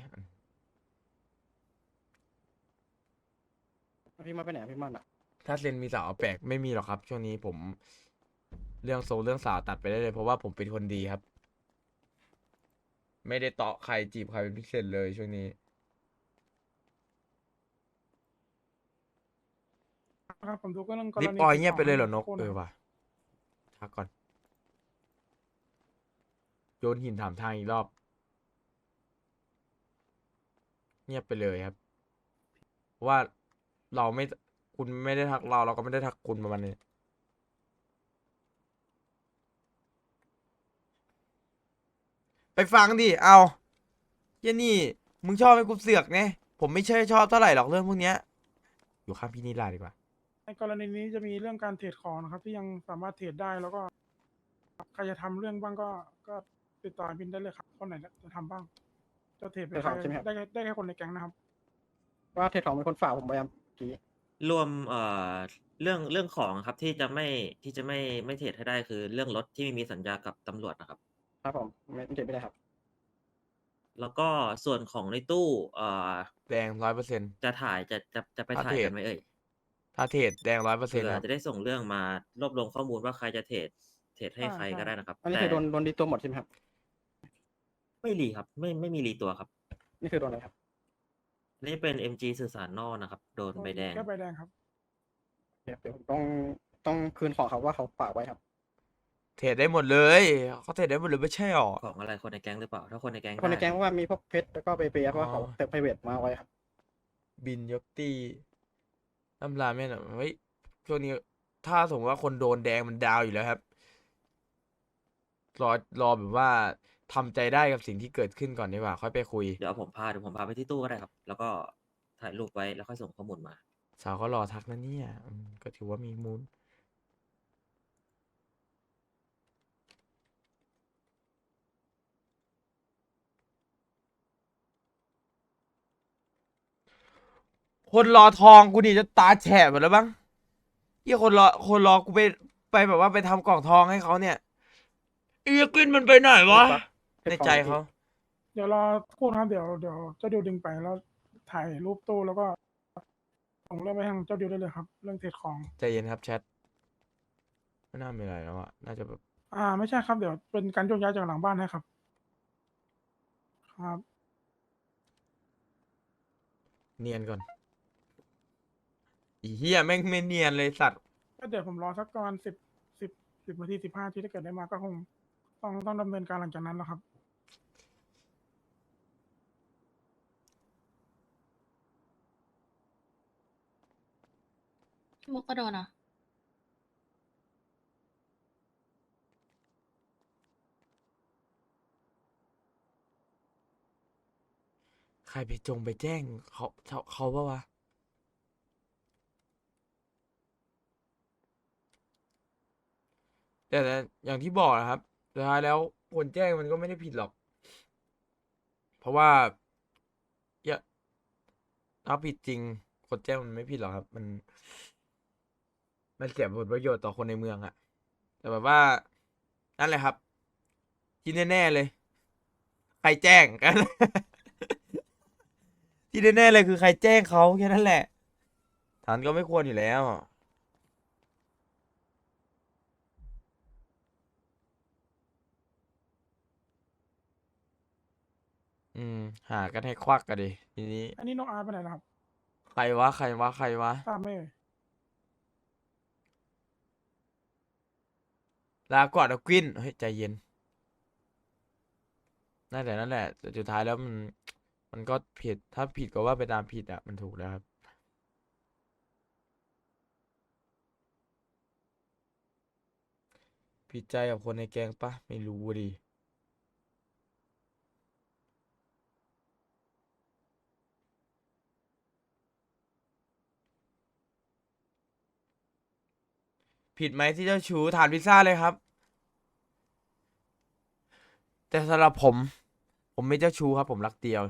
[SPEAKER 6] พี่มาไปไหนอะพี่มันอ่ะ
[SPEAKER 1] ถ้าเซนมีสาวแปลกไม่มีหรอกครับ ช่วงนี้ผม เรื่องโซเรื่องสาวตัดไปได้เลย เพราะว่าผมเป็นคนดีครับ ไม่ได้เตาะใครจีบใครเป็นพิเศษเลยช่วงนี้
[SPEAKER 9] ครับผมดูก็เรื่องกร
[SPEAKER 1] ลิป
[SPEAKER 9] ณี
[SPEAKER 1] ออย
[SPEAKER 9] ติด
[SPEAKER 1] เงียบ
[SPEAKER 9] ต่
[SPEAKER 1] ไปเลยเหรอ
[SPEAKER 9] ให้
[SPEAKER 1] นก
[SPEAKER 9] โคต
[SPEAKER 1] เออ
[SPEAKER 9] นะครับ
[SPEAKER 1] ว่ะทักก่อน โยนหินถามทางอีกรอบ เงียบไปเลยครับ เพราะว่าเราไม่คุณไม่ได้ทักเราเราก็ไม่ได้ทักคุณประมาณนี้ ไปฟังดิ เอาเหี้ยนี่ มึงชอบให้กูเสือกไง ผมไม่ใช่ชอบเท่าไหร่หรอกเรื่องพวกเนี้ย อยู่ข้างพี่นิลาดีกว่า
[SPEAKER 9] ในกรณีนี้จะมีเรื่องการเทรดของนะครับ ที่ยังสามารถเทรดได้แล้วก็ใครจะทำเรื่องบ้างก็ก็ติดต่อบินได้เลยครับคนไหนจะทำบ้างจะเทรดไป
[SPEAKER 6] เทรด
[SPEAKER 9] ใค
[SPEAKER 6] ข
[SPEAKER 9] ร
[SPEAKER 6] องใช่ไหมครับ
[SPEAKER 9] ได้แค่ได้แค่คนในแก๊งนะครับ
[SPEAKER 6] ว่าเทรดของเป็นคนฝากผมไปยังเมื่อกี้
[SPEAKER 2] รวมเอ่อเรื่องเรื่องของครับที่จะไม่ที่จะไม่ไม่เทรดให้ได้คือเรื่องรถที่ไม่มีสัญญากับตำรวจนะครับ
[SPEAKER 6] ครับผมไม่ไม่เทรดไม่ได้ครับ
[SPEAKER 2] แล้วก็ส่วนของในตู้เอ่อ
[SPEAKER 1] แดงร้อยเปอร์เซ็นต์
[SPEAKER 2] จะถ่ายจะจะจะไป
[SPEAKER 1] ถ้า
[SPEAKER 2] ถ่าย
[SPEAKER 1] เทร
[SPEAKER 2] กั
[SPEAKER 1] ด
[SPEAKER 2] นไหมเอ่ย
[SPEAKER 1] ถ้าเทรดแดงร้อยเปอร์เซ็น
[SPEAKER 2] เผื่
[SPEAKER 1] ต์
[SPEAKER 2] อ
[SPEAKER 1] ครับ
[SPEAKER 2] จะได้ส่งเรื่องมารวบรวมข้อมูลว่าใครจะเทรดเทรดให้
[SPEAKER 9] ใช่
[SPEAKER 2] ใคร
[SPEAKER 9] ใช่
[SPEAKER 2] ก็ได้นะครับ
[SPEAKER 6] อันนี้
[SPEAKER 2] แต่
[SPEAKER 6] คือโดนโดนดีตัวหมดใช่ไหมครับ
[SPEAKER 2] ไม่รีครับ ไม่ไม่มีรีตัวครับ
[SPEAKER 6] นี่คือโดนอะไรครับ
[SPEAKER 2] นี่เป็น เอ็ม จี สื่อสารนอกนะครับ โดนใบแดง
[SPEAKER 9] แค่ใบแดงครับ
[SPEAKER 6] เดี๋ยวเดี๋ยวผมต้องต้องคืนของเขาว่าเขาฝากไว้ครับ
[SPEAKER 1] เทรดได้หมดเลยเขาเทรดได้หมดเลยไม่ใช่หรอ
[SPEAKER 2] ของอะไรคนในแก๊งหรือเปล่า ถ้าคนในแก๊ง
[SPEAKER 6] คนใน
[SPEAKER 2] ได้
[SPEAKER 6] แก๊งว่ามีพวกเพชรแล้วก็เปเปเพราะว่าเขา
[SPEAKER 1] อ๋อ
[SPEAKER 6] เติมไพรเวทมาไว้ครับ
[SPEAKER 1] บินยกตีน้ำลาแม่นอะเฮ้ยช่วงนี้ถ้าสมมติว่าคนโดนแดงมันดาวอยู่แล้วครับ รอรอแบบว่าทำใจได้กับสิ่งที่เกิดขึ้นก่อนดีกว่า ค่อยไปคุย
[SPEAKER 2] เดี๋ยวผมพาเดี๋ยวผมพาไปที่ตู้ก็ได้ครับ แล้วก็ถ่ายรูปไว้แล้วค่อยส่งข้อมูลมา
[SPEAKER 1] สาวก็รอทักนะเนี่ยอืมก็ถือว่ามีมูลคนรอทองกูนี่จะตาแฉะหมดแล้วบ้างที่คนรอคนรอกูไปไปแบบว่าไปทำกล่องทองให้เขาเนี่ยเอียกินมันไปไหนวะ
[SPEAKER 6] เพชร
[SPEAKER 1] ในใจเขา
[SPEAKER 9] เดี๋ยวรอพูดครับเดี๋ยวเดี๋ยวเจ้าดิวดึงไปแล้วถ่ายรูปตู้แล้วก็ส่งเรื่องไปทางเจ้าดิวได้เลยครับ เรื่องเทรดของ
[SPEAKER 1] ใจเย็นครับแชทไม่น่ามีอะไรแล้วอะน่าจะแบบ
[SPEAKER 9] อ่า ไม่ใช่ครับ เดี๋ยวเป็นการโยกย้ายจากหลังบ้านให้ครับ ครับ
[SPEAKER 1] เนียนก่อนอีเหี้ยแม่งไม่เนียนเลยสัตว์
[SPEAKER 9] ก็เดี๋ยวผมรอสักประมาณสิบสิบสิบนาทีสิบห้าทีถ้าเกิดได้มาก็คงต้องต้องดำเนินการหลังจากนั้นแล้วครับ
[SPEAKER 11] มุกก็โดนอ่ะ
[SPEAKER 1] ใครไปจงไปแจ้งเขาเขาเขาปะวะแต่แต่อย่างที่บอกนะครับสุดท้ายแล้วคนแจ้งมันก็ไม่ได้ผิดหรอก เพราะว่าอย่าถ้าผิดจริง คนแจ้งมันไม่ผิดหรอกครับ มัน มันเสียผลประโยชน์ต่อคนในเมืองอะแต่แบบว่า นั่นแหละครับ ที่แน่ๆเลย ใครแจ้งกัน ที่แน่ๆเลยคือใครแจ้งเขาแค่นั้นแหละฐานก็ไม่ควรอยู่แล้ว อืม หากันให้ควักกันดิทีนี้
[SPEAKER 9] อันนี้โนอาร์ไปไหนแล้วครับ
[SPEAKER 1] ใครวะ ใครวะ ใครวะ
[SPEAKER 9] ทราบไหมเอ่ย
[SPEAKER 1] ลาก่อนนะกวินเฮ้ย ใจเย็น นั่นแหละนั่นแหละแต่สุดท้ายแล้วมัน มันก็ผิด ถ้าผิดก็ว่าไปตามผิดอ่ะ มันถูกแล้วครับ ผิดใจกับคนในแก๊งปะไม่รู้ดิ ผิดไหมที่เจ้าชู้ทานพิซซ่าเลยครับ แต่สำหรับผม ผมไม่เจ้าชู้ครับ ผมรักเดียว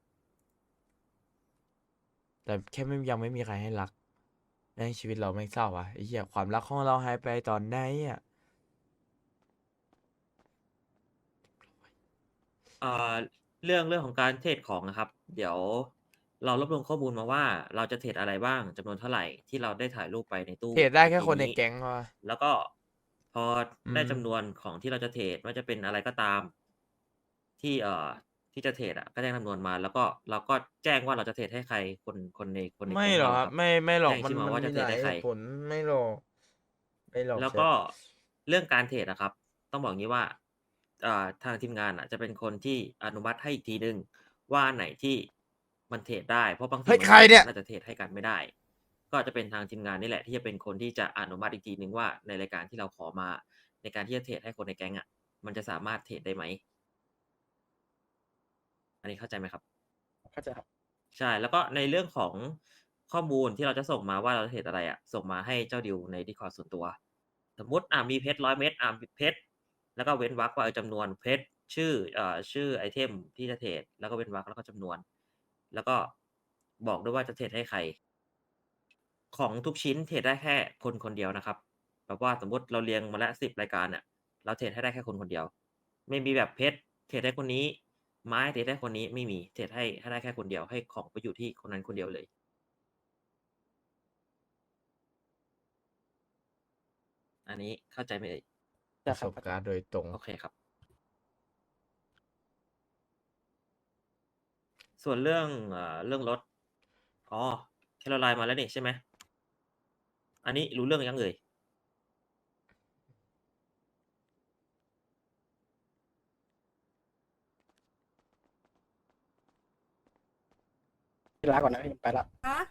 [SPEAKER 1] แต่แค่ไม่ยังไม่มีใครให้รักในชีวิตเราไม่งเศร้าอ่ะไอ้เหี้ยความรักของเราหายไปตอนไหนอ่ะ
[SPEAKER 2] เอ่อเรื่องเรื่องของการเทรดของนะครับ เดี๋ยวเรารวบรวมข้อมูลมาว่าเราจะเทรดอะไรบ้างจำนวนเท่าไหร่ที่เราได้ถ่ายรูปไปในตู้
[SPEAKER 1] เทรดได้แค่
[SPEAKER 2] เมื่อ
[SPEAKER 1] คนใน
[SPEAKER 2] นี้
[SPEAKER 1] แก๊งพอ
[SPEAKER 2] แล้วก็พอได้
[SPEAKER 1] อืม
[SPEAKER 2] จำนวนของที่เราจะเทรดว่าจะเป็นอะไรก็ตาม ที่เอ่อที่จะเทรดอ่ะก็แจ้งจำนวนมา แล้วก็เราก็แจ้งว่าเราจะเทรดให้ใครคนคนในคนใน
[SPEAKER 1] ไม่
[SPEAKER 2] แก๊ง
[SPEAKER 1] หรอก
[SPEAKER 2] เรา
[SPEAKER 1] ค
[SPEAKER 2] ค
[SPEAKER 1] รั
[SPEAKER 2] รับ บ
[SPEAKER 1] ไม่ไม่หรอก
[SPEAKER 2] แจ้ง
[SPEAKER 1] มัน
[SPEAKER 2] ชื่อมา
[SPEAKER 1] มัน
[SPEAKER 2] ว่าจะ
[SPEAKER 1] มี
[SPEAKER 2] เทร
[SPEAKER 1] ห
[SPEAKER 2] ด
[SPEAKER 1] ลาย
[SPEAKER 2] ให้
[SPEAKER 1] เห
[SPEAKER 2] ใคร
[SPEAKER 1] ตุผลไม่หรอกไม่หรอก
[SPEAKER 2] แล้ว
[SPEAKER 1] เชฟ
[SPEAKER 2] ก็เรื่องการเทรดนะครับ ต้องบอกงี้ว่าอ่าทางทีมงานอ่ะ จะเป็นคนที่อนุมัติให้อีกทีหนึ่งว่าอันไหนที่มันเทรดได้ เพราะบางที
[SPEAKER 1] เฮ้ย
[SPEAKER 2] บาง
[SPEAKER 1] ใคร
[SPEAKER 2] ที
[SPEAKER 1] เนี่ย
[SPEAKER 2] น่าจะเทรดให้กันไม่ได้ ก็จะเป็นทางทีมงานนี่แหละที่จะเป็นคนที่จะอนุมัติอีกทีหนึ่งว่าในรายการที่เราขอมา ในการที่จะเทรดให้คนในแก๊งอ่ะ มันจะสามารถเทรดได้ไหม อันนี้เข้าใจไหมครับ
[SPEAKER 6] เข้าใจครับ
[SPEAKER 2] ใช่ แล้วก็ในเรื่องของข้อมูลที่เราจะส่งมาว่าเราจะเทรดอะไรอะส่งมาให้เจ้าดิวใน Discord ส่วนตัว สมมุติอ่ามีเพชรร้อยเม็ดอ่าเพชรแล้วก็เว้นวรรคว่าเออจำนวนเพชรชื่อเอ่อชื่อไอเทมที่จะเทรดแล้วก็เว้นวรรคแล้วก็จำนวน แล้วก็บอกด้วยว่าจะเทรดให้ใคร ของทุกชิ้นเทรดได้แค่คนคนเดียวนะครับ แบบว่าสมมุติเราเรียงมาแล้วสิบรายการเนี่ยเราเทรดให้ได้แค่คนคนเดียว ไม่มีแบบเพชรเทรดให้คนนี้ไม้เทรดให้คนนี้ไม่มีเทรดให้ให้ได้แค่คนเดียวให้ของไปอยู่ที่คนนั้นคนเดียวเลย อันนี้เข้าใจไหมเอ่ย
[SPEAKER 1] ป
[SPEAKER 6] จะ
[SPEAKER 1] ระ
[SPEAKER 6] ค
[SPEAKER 1] ส
[SPEAKER 6] รับบ
[SPEAKER 1] การณ์โดยตรง
[SPEAKER 2] โอเคครับ ส่วนเรื่องเอ่อเรื่องรถ อ๋อแคโรไลน์มาแล้วนี่ใช่ไหม อันนี้รู้เรื่องยังเอ่ย
[SPEAKER 6] ลาก่อนนะพี่ไปละ
[SPEAKER 3] ฮะ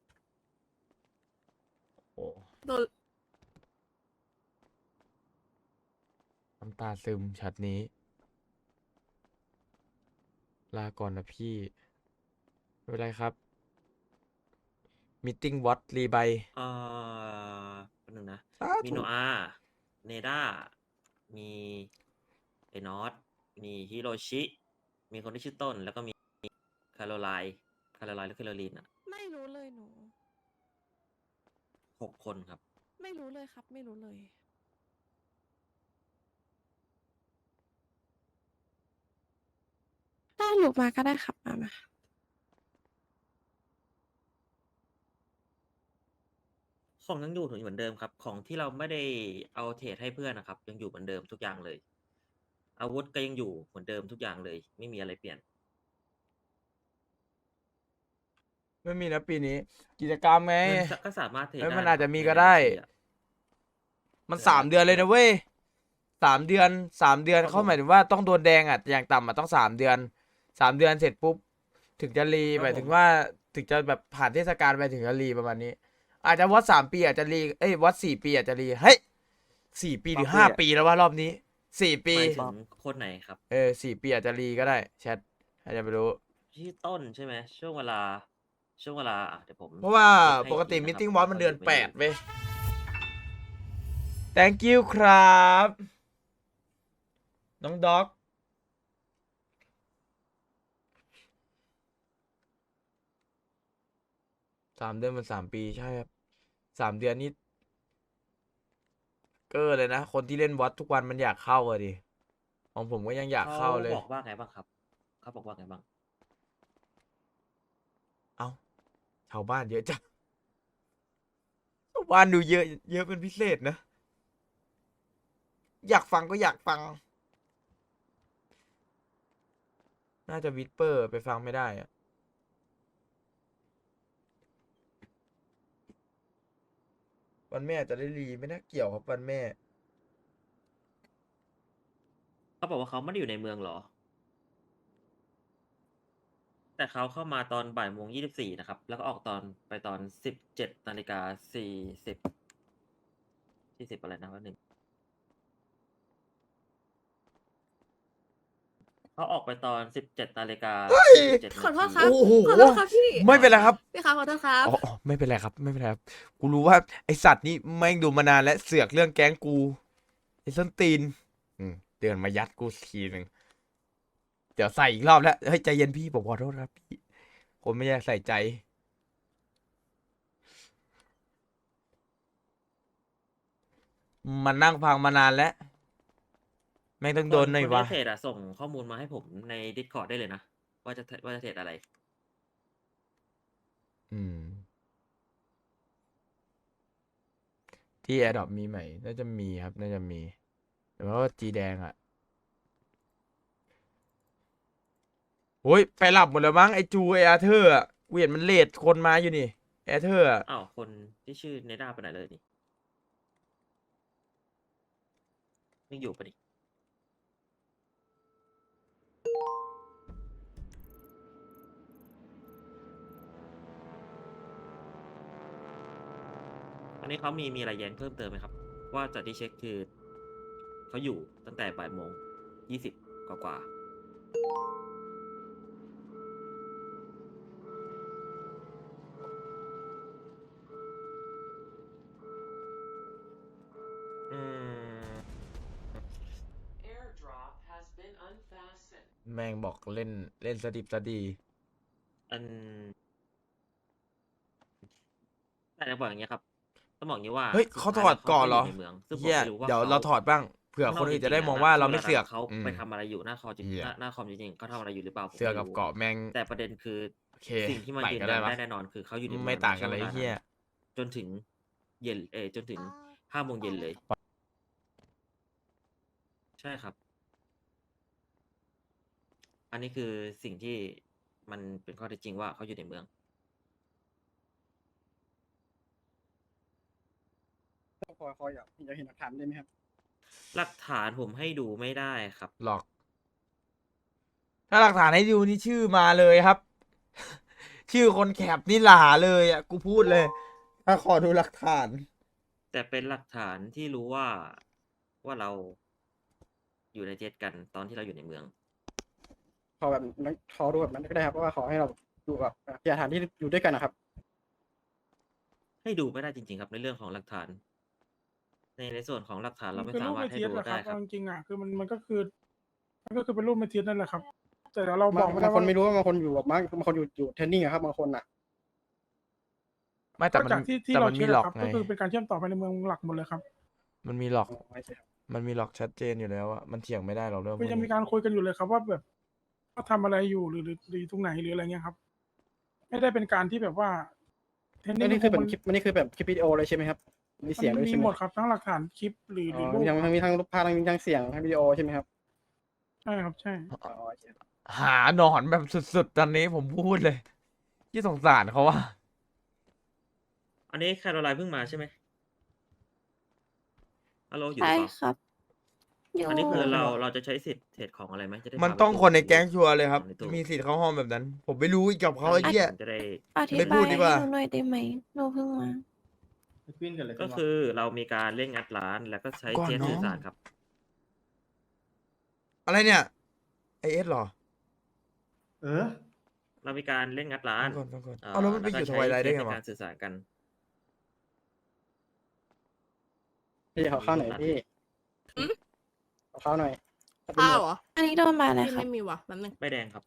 [SPEAKER 1] โอ้
[SPEAKER 3] โดน
[SPEAKER 1] น้ำตาซึมช็อตนี้ ลาก่อนนะพี่ ไม่เป็นไรครับมิทติ้งวอตรีใบ
[SPEAKER 2] เอ่อแป๊บนึงนะ
[SPEAKER 1] สา
[SPEAKER 2] มี
[SPEAKER 1] ธุ
[SPEAKER 2] โนอาเนด้า มีไอ้นอตมีฮิโรชิ มีคนที่ชื่อต้น แล้วก็มีคาโรไลน์คาโรไลน์หรือแคโรลีนอ่ะ
[SPEAKER 11] ไม่รู้เลยหนู
[SPEAKER 2] หกคนครับ
[SPEAKER 11] ไม่รู้เลยครับ ไม่รู้เลย ได้หลุดมาก็ได้ครับมามา
[SPEAKER 2] ของยังอยู่เหมือนเดิมครับ ของที่เราไม่ได้เอาเทรดให้เพื่อนนะครับ ยังอยู่เหมือนเดิมทุกอย่างเลย อาวุธก็ยังอยู่เหมือนเดิมทุกอย่างเลย ไม่มีอะไรเปลี่ยน
[SPEAKER 1] ไม่มีนะปีนี้ กิจกรรมไง
[SPEAKER 2] เงินก็สามารถเทรด
[SPEAKER 1] เอ้ย
[SPEAKER 2] ได้
[SPEAKER 1] มัน
[SPEAKER 2] นะ
[SPEAKER 1] อาจ
[SPEAKER 2] ค
[SPEAKER 1] จะ
[SPEAKER 2] รับ
[SPEAKER 1] มี
[SPEAKER 2] ใน
[SPEAKER 1] ก็
[SPEAKER 2] บัญ
[SPEAKER 1] ได้
[SPEAKER 2] ชีอะ
[SPEAKER 1] มัน
[SPEAKER 2] เผื่อ
[SPEAKER 1] สามเดือนเลยนะเว้ยสามเดือนสามเดือน
[SPEAKER 2] ครับ
[SPEAKER 1] เขา
[SPEAKER 2] ผม
[SPEAKER 1] หมายถึงว่าต้องโดนแดงอ่ะอย่างต่ำอ่ะต้องสามเดือนสามเดือนเสร็จปุ๊บ ถึงจะรี
[SPEAKER 2] ครับ
[SPEAKER 1] หมายถึง
[SPEAKER 2] ผม
[SPEAKER 1] ว่าถึงจะแบบผ่านเทศกาลไปถึงจะรีประมาณนี้ อาจจะวัดสามปีอาจจะรีเอ้ยวัดสี่ปีอาจจะรีเฮ้ยสี่ปีหรือ
[SPEAKER 7] รอบ
[SPEAKER 1] ห้า
[SPEAKER 7] ปีอะ
[SPEAKER 1] ปีแล้วว่ารอบนี้สี่ปี
[SPEAKER 2] หมายถึงคนไหนครับ
[SPEAKER 1] เออสี่ปีอาจจะรีก็ได้แชทใครจะไปรู้
[SPEAKER 2] ชื่อต้นใช่ไหมช่วงเวลา ช่วงเวลาอ่ะเดี๋ยวผม
[SPEAKER 1] เพราะว่า
[SPEAKER 2] เช็คให้
[SPEAKER 1] ปก
[SPEAKER 2] อี
[SPEAKER 1] ติ
[SPEAKER 2] ที
[SPEAKER 1] มิ
[SPEAKER 2] นะ
[SPEAKER 1] ท
[SPEAKER 2] ครับ
[SPEAKER 1] ติ้งวอ
[SPEAKER 2] ว่า
[SPEAKER 1] ตมัน
[SPEAKER 2] เขาอ
[SPEAKER 1] เดือน
[SPEAKER 2] ยู่ไม่
[SPEAKER 1] แป
[SPEAKER 2] อ
[SPEAKER 1] ด
[SPEAKER 2] ยู่
[SPEAKER 1] เว้ย thank you ครับ น้องด็อก สามเดือนมันสามปีใช่ครับสามเดือนนี่เกอร์เลยนะ คนที่เล่นวอตทุกวันมันอยากเข้าอะดิของผมก็ยังอยาก
[SPEAKER 2] เขา
[SPEAKER 1] เข้าเลย
[SPEAKER 2] บอกว่าไงบ้างครับ เขาบอกว่าไงบ้าง
[SPEAKER 1] เอ้าชาวบ้านเยอะจังชาวบ้านดูเยอะ เยอะเป็นพิเศษนะ อยากฟังก็อยากฟัง น่าจะวิสเปอร์ไปฟังไม่ได้อะวันแม่จะได้รีไม่น่าเกี่ยวครับวันแม่
[SPEAKER 2] เขาบอกว่าเขาไม่ได้อยู่ในเมืองเหรอ แต่เขาเข้ามาตอนบ่ายโมงยี่สิบสี่นะครับ แล้วก็ออกตอนไปตอนสิบเจ็ดนาฬิกาสี่สิบสี่สิบอะไรนะวันหนึ่งเขาออกไปตอนสิบเจ็ดนาฬิกา
[SPEAKER 1] เฮ้ย
[SPEAKER 2] สี่สิบเจ็ด
[SPEAKER 11] ขอโทษ
[SPEAKER 2] นา
[SPEAKER 11] ครั
[SPEAKER 2] ที
[SPEAKER 11] บ
[SPEAKER 1] โอ้โห
[SPEAKER 11] ขอโทษครับพี่
[SPEAKER 1] ไม่เป็นไรครับ
[SPEAKER 11] พี่ครับขอโทษครับ
[SPEAKER 1] อ๋ออ๋อไม่เป็นไรครับ ไม่เป็นไรครับ กูรู้ว่าไอสัตว์นี้แม่งดูมานานและเสือกเรื่องแก๊งกูไอส้นตีน อืมเดินมายัดกูทีหนึ่งเดี๋ยวใส่อีกรอบแล้วเฮ้ยใจเย็นพี่ผมขอโทษครับพี่ผมไม่อยากใส่ใจ มันนั่งฟังมานานแล้ว แม่งต้องโดนหน่อย
[SPEAKER 2] คน
[SPEAKER 1] วะ
[SPEAKER 2] ที่เทรดอะส่งข้อมูลมาให้ผมใน Discord ได้เลยนะ ว่าจะว่าจะเทรดอะไร
[SPEAKER 1] อืม ที่ Adopt มีไหม น่าจะมีครับ น่าจะมี แต่ว่าจีแดงอ่ะโอ้ย ไปหลับหมดแล้วมั้งไอจูไออาเธอร์อ่ะกูเห็นมันเลดคนมาอยู่นี่อาเธอร์อะ
[SPEAKER 2] อ้าว คนที่ชื่อเนด้าไปไหนเลยนี่ไม่อยู่ปะดิ อันนี้เขามีมีอะไรแย้งเพิ่มเติมไหมครับ ว่าจากที่เช็คคือเขาอยู่ตั้งแต่บ่ายโมงยี่สิบกว่ากว่าๆอืม
[SPEAKER 1] แม่งบอกเล่นเล่นสดิบสดี
[SPEAKER 2] อันแต่จะบอกอย่างเงี้ยครับต้องบอกอย่างนี้ว่า
[SPEAKER 1] เฮ้ย
[SPEAKER 2] สุด
[SPEAKER 1] เขาถ
[SPEAKER 2] ท้
[SPEAKER 1] อด
[SPEAKER 2] แล้ว
[SPEAKER 1] ก่อนเหรอ
[SPEAKER 2] ไม่ยู่ในเมืองซึ่งผม
[SPEAKER 1] เฮีย
[SPEAKER 2] ไม่รู้ว่า
[SPEAKER 1] เดี๋ยว
[SPEAKER 2] เขา
[SPEAKER 1] เราถอดบ้างเผื่อเผื่อคนอื่นจะได้
[SPEAKER 2] จริๆ
[SPEAKER 1] มองว่าเราไม่
[SPEAKER 2] ณ
[SPEAKER 1] เสือก
[SPEAKER 2] เขา
[SPEAKER 1] อืม
[SPEAKER 2] ไปทำอะไรอยู่หน้าคอจริง
[SPEAKER 1] เหี้ย
[SPEAKER 2] หน้าหน้าคอมจริงๆเขาทำอะไรอยู่หรือเปล่าผม
[SPEAKER 1] เสือก
[SPEAKER 2] ไม่
[SPEAKER 1] กับ
[SPEAKER 2] รู้
[SPEAKER 1] เกาะแม่ง
[SPEAKER 2] แต่ประเด็นคือ
[SPEAKER 1] โอเค
[SPEAKER 2] สิ่งที่มัน
[SPEAKER 1] ใหม่
[SPEAKER 2] ยืน
[SPEAKER 1] ก็
[SPEAKER 2] ยั
[SPEAKER 1] ได้
[SPEAKER 2] น
[SPEAKER 1] ปะ
[SPEAKER 2] ได้แน่นอนคือเขาอยู่ใน
[SPEAKER 1] ไม่
[SPEAKER 2] เมือง
[SPEAKER 1] ต่างกัน
[SPEAKER 2] ใน
[SPEAKER 1] เลย
[SPEAKER 2] ช่วง
[SPEAKER 1] ไอ้เหี้ย
[SPEAKER 2] นั้นจนถึงเย็นเออจนถึงห้าโมงเย็นเลย ใช่ครับ อันนี้คือสิ่งที่มันเป็นข้อเท็จจริงว่าเขาอยู่ในเมือง
[SPEAKER 6] พอพออยากอยากเห็นหลักฐานได้ไหมครับ
[SPEAKER 2] หลักฐานผมให้ดูไม่ได้ครับ
[SPEAKER 1] หลอก ถ้าหลักฐานให้ดูนี่ชื่อมาเลยครับ ชื่อคนแคปนี่หลาเลยอ่ะ กูพูดเลย ถ้าขอดูหลักฐาน
[SPEAKER 2] แต่เป็นหลักฐานที่รู้ว่าว่าเราอยู่ในเจ็ตกันตอนที่เราอยู่ในเมือง
[SPEAKER 6] ขอแบบนั้นขอดูแบบนั้นก็ได้ครับเพราะว่าขอให้เราดูแบบพยานฐานที่อยู่ด้วยกันนะครับ
[SPEAKER 2] ให้ดูไม่ได้จริงๆครับในเรื่องของหลักฐาน ในในส่วนของหลักฐานเราไม่
[SPEAKER 9] คือ
[SPEAKER 2] สา
[SPEAKER 9] รูป
[SPEAKER 2] มาร
[SPEAKER 9] เม
[SPEAKER 2] ถให้
[SPEAKER 9] ทีส
[SPEAKER 2] ดู
[SPEAKER 9] แหละค
[SPEAKER 2] ได้
[SPEAKER 9] รับ
[SPEAKER 2] ครับ
[SPEAKER 9] เอาจริงๆอ่ะคือมันมันก็คือ มันก็คือเป็นรูปเมทีสนั่นแหละครับ แต่เดี๋ยวเรา
[SPEAKER 6] บา
[SPEAKER 9] บอง กไม่ได้
[SPEAKER 6] บางคน
[SPEAKER 9] ว่า
[SPEAKER 6] ไม่รู้ว่าบางคนอยู่แบบบางบางคนอยู่อยู่เทรนนิ่งอะครับบางคนอะ
[SPEAKER 1] ไม่แต่
[SPEAKER 9] ก็
[SPEAKER 1] มัน
[SPEAKER 9] จากที่ที่
[SPEAKER 1] แต่
[SPEAKER 9] เรา
[SPEAKER 1] มัน
[SPEAKER 9] เช็
[SPEAKER 1] มี
[SPEAKER 9] ค
[SPEAKER 1] หล
[SPEAKER 9] อะ
[SPEAKER 1] อก
[SPEAKER 9] ครับ
[SPEAKER 1] ไง
[SPEAKER 9] ก็คือเป็นการเชื่อมต่อไปในเมืองหลักหมดเลยครับ
[SPEAKER 1] มันมีหลอก
[SPEAKER 6] อ๋อไม่ใช่ครับ
[SPEAKER 1] มันมีหลอกชัดเจนอยู่แล้วอะมันเถียงไม่ได้หรอกเรื่องพว
[SPEAKER 9] คื
[SPEAKER 1] ก
[SPEAKER 9] อยังมี
[SPEAKER 1] นี้
[SPEAKER 9] การคุยกันอยู่เลยครับว่าแบบว่าทำอะไรอยู่หรือหรือหรืออยู่ตรงไหนหรืออะไรเงี้ยครับ ไม่ได้เป็นการที่แบบว่าเทรน
[SPEAKER 6] อัน
[SPEAKER 9] นิ่
[SPEAKER 6] นี้
[SPEAKER 9] ง
[SPEAKER 6] คือเป็น
[SPEAKER 9] มัน
[SPEAKER 6] คลิปอันนี้คือแบบคลิปวิดีโอเลยใช่ไหมครับมีเสียง
[SPEAKER 9] มั
[SPEAKER 6] ด้วย
[SPEAKER 9] นมี
[SPEAKER 6] ใช่ไหม
[SPEAKER 9] หมดครับทั้งหลักฐานคลิปหรือห
[SPEAKER 6] อ๋
[SPEAKER 9] รือ
[SPEAKER 6] อ
[SPEAKER 9] รูป
[SPEAKER 6] มีทั้งมีทั้งรูปภาพทั้งมีทั้งเสียงทั้งวิดีโอใช่ไหมครับ
[SPEAKER 9] ใช่ครับใช่
[SPEAKER 6] อ๋อโอเค
[SPEAKER 1] หาหนอนแบบสุดๆ ตอนนี้ผมพูดเลย ที่สงสารเขาว่า
[SPEAKER 2] อันนี้แคโรไลน์เพิ่งมาใช่ไหมฮัลโหลอยู่ห
[SPEAKER 11] ใช่
[SPEAKER 2] รือเปล่า
[SPEAKER 11] ครับ อยู่
[SPEAKER 2] อันนี้คือเราเราจะใช้สิทธิ์เทรดของอะไรไหมจะได้
[SPEAKER 1] มัน
[SPEAKER 2] พาไป
[SPEAKER 1] ต้อง
[SPEAKER 2] ตู้
[SPEAKER 1] คนใน
[SPEAKER 2] หรือ
[SPEAKER 1] แก๊งชัวร์เลยครับ
[SPEAKER 2] ของในตู้
[SPEAKER 1] มีสิทธิ์เข้าห้องแบบนั้น ผมไม่รู้อีกกับเขาไอ้
[SPEAKER 2] อันนี้
[SPEAKER 1] เหี้ย
[SPEAKER 2] ผมจะได้
[SPEAKER 11] อธิ
[SPEAKER 1] ไม่พู
[SPEAKER 11] บา
[SPEAKER 1] ด
[SPEAKER 11] ย
[SPEAKER 1] ดี
[SPEAKER 11] ให้
[SPEAKER 1] กว่า
[SPEAKER 11] หนูหน่อยได้ไหมหนูเพิ่งมา
[SPEAKER 2] ก็คือเรามีการเล่นงัดร้านแล้วก็ใช้
[SPEAKER 1] ก่อน
[SPEAKER 2] เจ็ต
[SPEAKER 1] น้อง
[SPEAKER 2] สื่อสารครับ
[SPEAKER 1] อะไรเนี่ยไอเอสหรอ
[SPEAKER 10] เออ
[SPEAKER 2] เรามีการเล่นงัดร้า
[SPEAKER 1] ฟั
[SPEAKER 2] น
[SPEAKER 1] งก่อนฟังก่อน
[SPEAKER 2] อ่า
[SPEAKER 1] เอาแล้วมันไปอยู่ทวายไลท์ได้ไง
[SPEAKER 2] ใน
[SPEAKER 1] วะ
[SPEAKER 2] การสื่อสารกัน
[SPEAKER 6] พี่ขอข้าวหน่อยพี่
[SPEAKER 11] หืม
[SPEAKER 6] ขอข้าวหน่อย
[SPEAKER 11] ข้าวเหรอ อันนี้โดนมาเลย
[SPEAKER 3] ที่
[SPEAKER 11] ครับ
[SPEAKER 3] ไม่มีว่ะแป๊บนึง
[SPEAKER 2] ไม่แดงครับ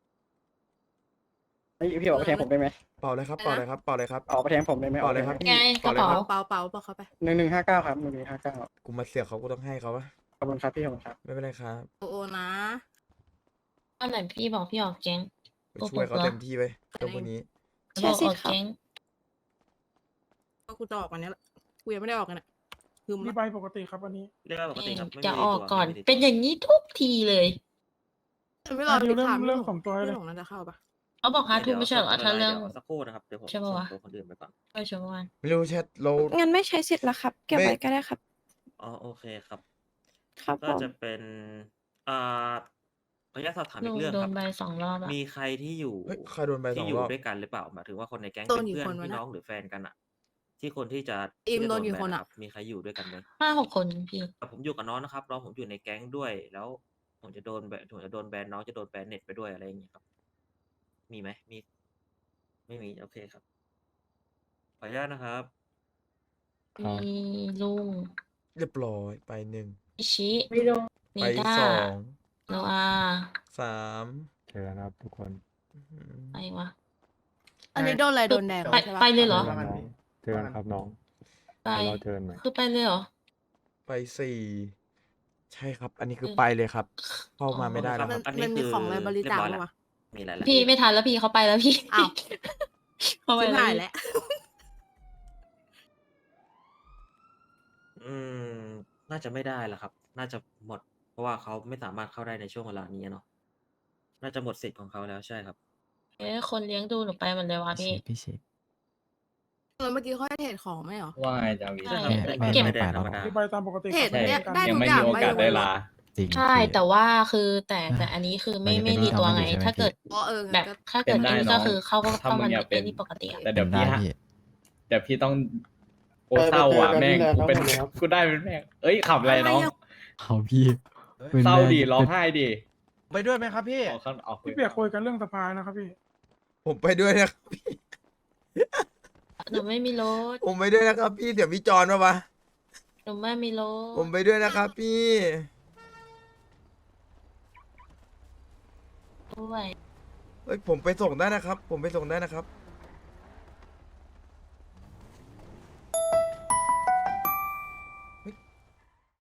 [SPEAKER 6] เฮ้ยพี่บอกไปแทงผมได้ไหม
[SPEAKER 1] เป่าเลยครับ เป่าเลยครับ เป่าเลยครับ
[SPEAKER 6] ออกไปแทงผมได้ไหม
[SPEAKER 1] เป่าเลยครับ
[SPEAKER 11] ไงกระเป๋า
[SPEAKER 3] เปล่าเปล่าเปล่าเข้าไป
[SPEAKER 6] หนึ่งหนึ่งห้าเก้าครับหนึ่งหนึ่งห้าเก้า
[SPEAKER 1] กูมาเสือกเขากูต้องให้เขาปะ
[SPEAKER 6] ขอบคุณครับพี่ขอบคุณครับ
[SPEAKER 1] ไม่เป็นไรครับ
[SPEAKER 3] โอโอนะ
[SPEAKER 11] อันไหนพี่บอกพี่ออกแก๊ง
[SPEAKER 1] ไปช่วยเขาเต็มที่ไปเรื่องพวกนี้
[SPEAKER 11] ใช่สิครับ
[SPEAKER 3] ก็กูจะออกวันนี้แหละกูยังไม่ได้ออกกันอ่ะคือ
[SPEAKER 9] มี
[SPEAKER 3] มัน
[SPEAKER 9] ใบปกติครับอันนี้
[SPEAKER 2] เรียกว่าปกติครับไม่มี
[SPEAKER 11] จะออก
[SPEAKER 2] ตัว
[SPEAKER 11] ก่อน
[SPEAKER 2] ไม่มีตัว
[SPEAKER 11] เป็นอย่างนี้ทุกทีเลย
[SPEAKER 3] ไม่รอ
[SPEAKER 9] อ่ะเดี๋ยว
[SPEAKER 3] ถาม
[SPEAKER 9] เรื่อง
[SPEAKER 3] พี่หล
[SPEAKER 9] ของตัวเลย
[SPEAKER 3] พี่หลงน่าจะเข้าปะ
[SPEAKER 11] เขาบอกฮาร์ทูไม่ใช่เหรอ
[SPEAKER 2] ดี๋ยว
[SPEAKER 11] ถ้าเรื่อง
[SPEAKER 2] ดี๋ยวสักครู่นะครับเดี๋ยวผม
[SPEAKER 11] ใช่ปะ
[SPEAKER 2] ส่ง
[SPEAKER 11] วะ
[SPEAKER 2] ตัวคนอื่นไปก่อน
[SPEAKER 11] เออชมวัน
[SPEAKER 1] ไม่รู้แชทเรา
[SPEAKER 11] งั้นไม่ใช้สิทธิ์ละครับ เก็บ
[SPEAKER 1] ไม่
[SPEAKER 11] ไว้ก็ได้ครับ
[SPEAKER 2] อ๋อโอเคครับ
[SPEAKER 11] ครับ
[SPEAKER 2] ก็
[SPEAKER 11] ผม
[SPEAKER 2] จะเป็นอ่าขออนุญาตสอบถาม
[SPEAKER 11] ห
[SPEAKER 2] อี
[SPEAKER 11] นู
[SPEAKER 2] กเรื่อง
[SPEAKER 11] โด
[SPEAKER 2] คน รับ
[SPEAKER 11] ใบสองรอบอะ
[SPEAKER 2] มีใครที่อยู่
[SPEAKER 1] เฮ้ยใครโดนใบส
[SPEAKER 2] ที่
[SPEAKER 1] อง
[SPEAKER 2] อยู่
[SPEAKER 1] รอบ
[SPEAKER 2] ด้วยกันหรือเปล่าหมายถึงว่าคนในแก๊ง
[SPEAKER 3] โด
[SPEAKER 2] เป็น น
[SPEAKER 3] กี่
[SPEAKER 2] เพื่อน
[SPEAKER 3] คนวะ
[SPEAKER 2] พี่
[SPEAKER 3] นะ
[SPEAKER 2] น้องหรือแฟนกันอะที่คนที่จะ
[SPEAKER 3] อิม
[SPEAKER 2] ที่จะ
[SPEAKER 3] โดนกี่
[SPEAKER 2] แบ
[SPEAKER 3] คนอะ
[SPEAKER 2] รับมีใครอยู่ด้วยกันไหม
[SPEAKER 11] ห้าหกคนพี่
[SPEAKER 2] แต่ผมอยู่กับน้องนะครับน้องผมอยู่ในแก๊งด้วย แล้วผมจะโดนแบนผมจะโดนแบนน้องจะโดนแบนเน็ตไปด้วยอะไรอย่างเงี้ยครับ มีไหมมี ไม่มีโอเคครับขออนุญาตนะครับ
[SPEAKER 5] ครับ
[SPEAKER 11] มีลุง
[SPEAKER 1] เรียบร้อยไปหนึ่ง
[SPEAKER 11] อิชิ
[SPEAKER 4] วิดีโอ
[SPEAKER 11] นิ
[SPEAKER 1] ไป
[SPEAKER 11] ด้า
[SPEAKER 1] สอง
[SPEAKER 11] โนอา
[SPEAKER 1] สาม
[SPEAKER 5] เจอกันนะครับทุกคน
[SPEAKER 1] อื้อหือ
[SPEAKER 11] อะไรวะ
[SPEAKER 3] อันนี้โดนอะไรโดนแดง
[SPEAKER 11] ไป
[SPEAKER 3] ใช่ปะ
[SPEAKER 11] ไปเลยเหรอ
[SPEAKER 5] เจอกันน้องเจอกันครับน้อง
[SPEAKER 11] ไป
[SPEAKER 5] เดี๋ยวเราเจอกันใหม่
[SPEAKER 11] คือไปเลยเหรอ
[SPEAKER 1] ไปสี่ใช่ครับ อันนี้คือ
[SPEAKER 11] เออ
[SPEAKER 1] ไปเลยครับ เข้ามา
[SPEAKER 11] อ๋อ
[SPEAKER 1] ไม่ได้แล้ว
[SPEAKER 3] มั
[SPEAKER 1] คน รับ
[SPEAKER 2] อันนี้
[SPEAKER 3] มันมี
[SPEAKER 2] คือ
[SPEAKER 3] ของอะไรบริจาค
[SPEAKER 2] เรียบร้อย
[SPEAKER 3] ปะวะ
[SPEAKER 2] มีอะไรแล้ว
[SPEAKER 11] พี่ไม่ทันแล้วพี่เขาไปแล้วพี่
[SPEAKER 3] อ้าว
[SPEAKER 11] เขาไป
[SPEAKER 3] ชิบ
[SPEAKER 11] แล้ว
[SPEAKER 3] หาย
[SPEAKER 11] พี่
[SPEAKER 3] แล้ว
[SPEAKER 2] อืมน่าจะไม่ได้ละครับ น่าจะหมด เพราะว่าเขาไม่สามารถเข้าได้ในช่วงเวลานี้เนาะน่าจะหมดสิทธิ์ของเขาแล้วใช่ครับ
[SPEAKER 11] เอ๊ะคนเลี้ยงดูหนูไปหมดเลยวะพี่
[SPEAKER 10] พี่เชฟ
[SPEAKER 3] เออเมื่อกี้เขาให้เทรดของไหมเหรอ
[SPEAKER 10] ว่าไงจาวี
[SPEAKER 11] ใช่
[SPEAKER 2] ไม่
[SPEAKER 11] เก็บ
[SPEAKER 2] ไม่ได้ธรรมดา
[SPEAKER 9] มีใบตามปกติ
[SPEAKER 3] เทรด
[SPEAKER 9] ครับ
[SPEAKER 3] เนี่ย
[SPEAKER 9] กัน
[SPEAKER 3] ได้
[SPEAKER 10] ยัง
[SPEAKER 3] ทุก
[SPEAKER 10] ไม่
[SPEAKER 3] อย่าง
[SPEAKER 10] มีโอกาส
[SPEAKER 3] ใบ
[SPEAKER 10] ได้
[SPEAKER 3] เดียว
[SPEAKER 10] ลา
[SPEAKER 11] ใช่แต่ว่าคือแต่แต่อันนี้คือไม่ไม่รีตัวไง ถ้าเกิด
[SPEAKER 3] อ๋อเออ
[SPEAKER 11] แบบ
[SPEAKER 3] ก็
[SPEAKER 11] ถ้าเกิด
[SPEAKER 10] เป็นได้
[SPEAKER 11] อันนี้
[SPEAKER 10] น้
[SPEAKER 11] ก็
[SPEAKER 10] อง
[SPEAKER 11] คือเข้าก็
[SPEAKER 10] ถ้า
[SPEAKER 11] เข้า
[SPEAKER 10] มึ
[SPEAKER 11] มัน
[SPEAKER 10] งอยากเป็
[SPEAKER 11] เป็น นที่ปกติอะ
[SPEAKER 10] แต่เดี๋ยวพี่ฮะเดี๋ยวพี่ต้องโอเศร้าอ่ะแม่งกูเป็นกูได้เป็นแม่งเอ้ยขับอะไรน้อง
[SPEAKER 7] เขาพี่
[SPEAKER 10] เศร้าดิร้องไห้ดิไปด้วยไหมครับพี่ออกข้างออก
[SPEAKER 9] พี่เปียกคุยกันเรื่องสภานะครับพี่
[SPEAKER 1] ผมไปด้วยนะครับพี่
[SPEAKER 11] หนูไม่มีรถ
[SPEAKER 1] ผมไปด้วยนะครับพี่เดี๋ยวพี่จอนมาปะ
[SPEAKER 11] หนูไม่มีรถ
[SPEAKER 1] ผมไปด้วยนะครับพี่
[SPEAKER 11] ด้วย
[SPEAKER 1] เฮ้ยผมไปส่งได้นะครับ ผมไปส่งได้นะครับ